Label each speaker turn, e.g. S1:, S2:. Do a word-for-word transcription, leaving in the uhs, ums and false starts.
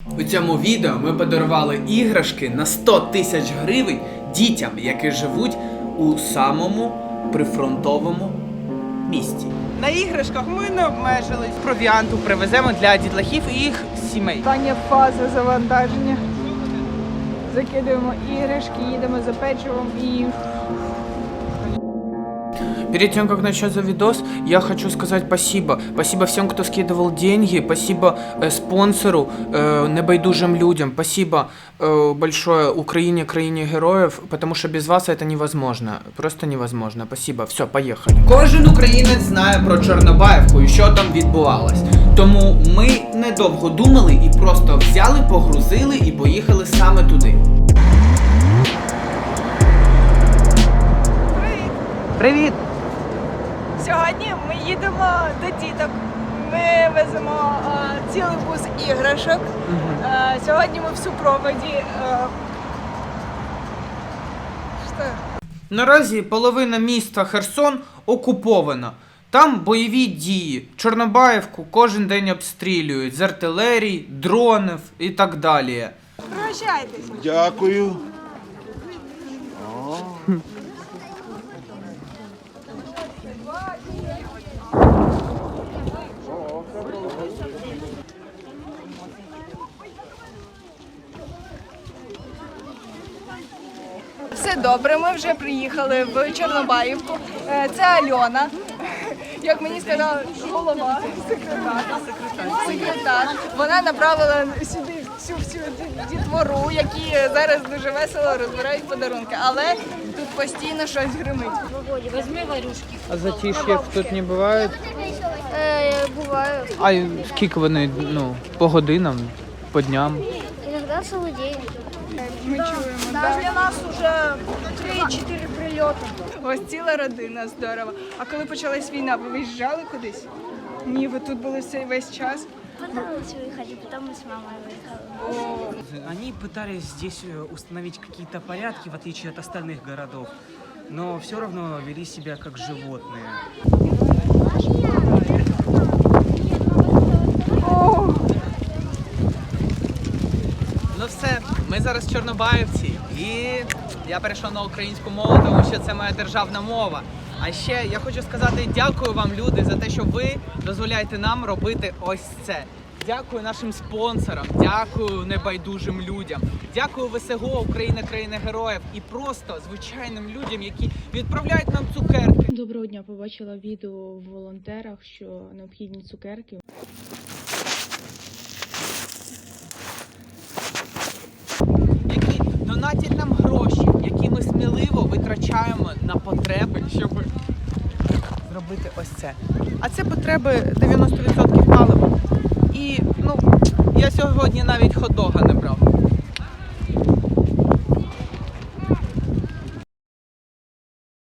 S1: У цьому відео ми подарували іграшки на сто тисяч гривень дітям, які живуть у самому прифронтовому місті.
S2: На іграшках ми не обмежились. Провіанту привеземо для дітлахів і їх сімей.
S3: Остання фаза завантаження. Закидуємо іграшки, їдемо за печивом і...
S2: Перед тем, как начаться видос, я хочу сказать спасибо. Спасибо всем, кто скидывал деньги. Спасибо э, спонсору, э, небайдужим людям. Спасибо э, большое Украине, краине героев, потому что без вас это невозможно. Просто невозможно. Спасибо. Все, поехали.
S1: Кожен українець знає про Чорнобаївку і що там відбувалось. Тому ми недовго думали і просто взяли, погрузили і поїхали саме туди.
S3: Привіт!
S2: Привіт!
S3: Сьогодні ми їдемо до діток. Ми веземо а, цілий бус іграшок. А, сьогодні ми в супроводі. А... Що?
S2: Наразі половина міста Херсон окупована. Там бойові дії. Чорнобаївку кожен день обстрілюють з артилерії, дронів і так далі.
S3: Прощайтесь.
S4: Дякую.
S3: Все добре, ми вже приїхали в Чорнобаївку. Е, Це Альона. Як мені сказала голова, секретар. Секретар. Вона направила сюди всю всю дітвору, які зараз дуже весело розбирають подарунки. Але тут постійно щось гримить.
S5: Володя, возьми варюшки.
S2: А затиш'я тут не буває?
S5: Э, бываю.
S2: А скільки вони, ну, по годинам, по дням?
S5: Иногда целый день.
S3: Ми чуємо.
S5: Даже для нас уже три-четыре прилета.
S3: Ось ціла родина, здорово. А коли почалась війна, ви виїжджали кудись? Ні, ви тут були цей весь час.
S5: Понравилось выехать, потом мы с мамой выехали.
S6: Они пытались здесь э, установить какие-то порядки, в отличие от остальных городов, но все равно вели себя как животные.
S1: Ну все, ми зараз в Чорнобаївці і я перейшов на українську мову, тому що це моя державна мова. А ще я хочу сказати дякую вам, люди, за те, що ви дозволяєте нам робити ось це. Дякую нашим спонсорам, дякую небайдужим людям, дякую ВСГО, Україна, країна героїв і просто звичайним людям, які відправляють нам цукерки.
S7: Доброго дня, побачила відео в волонтерах, що необхідні цукерки.
S1: Які донатять нам гроші, які ми сміливо витрачаємо на потреби, щоб зробити ось це. А це потреби дев'яносто відсотків палива. І, ну, я сьогодні навіть хот-дога не брав.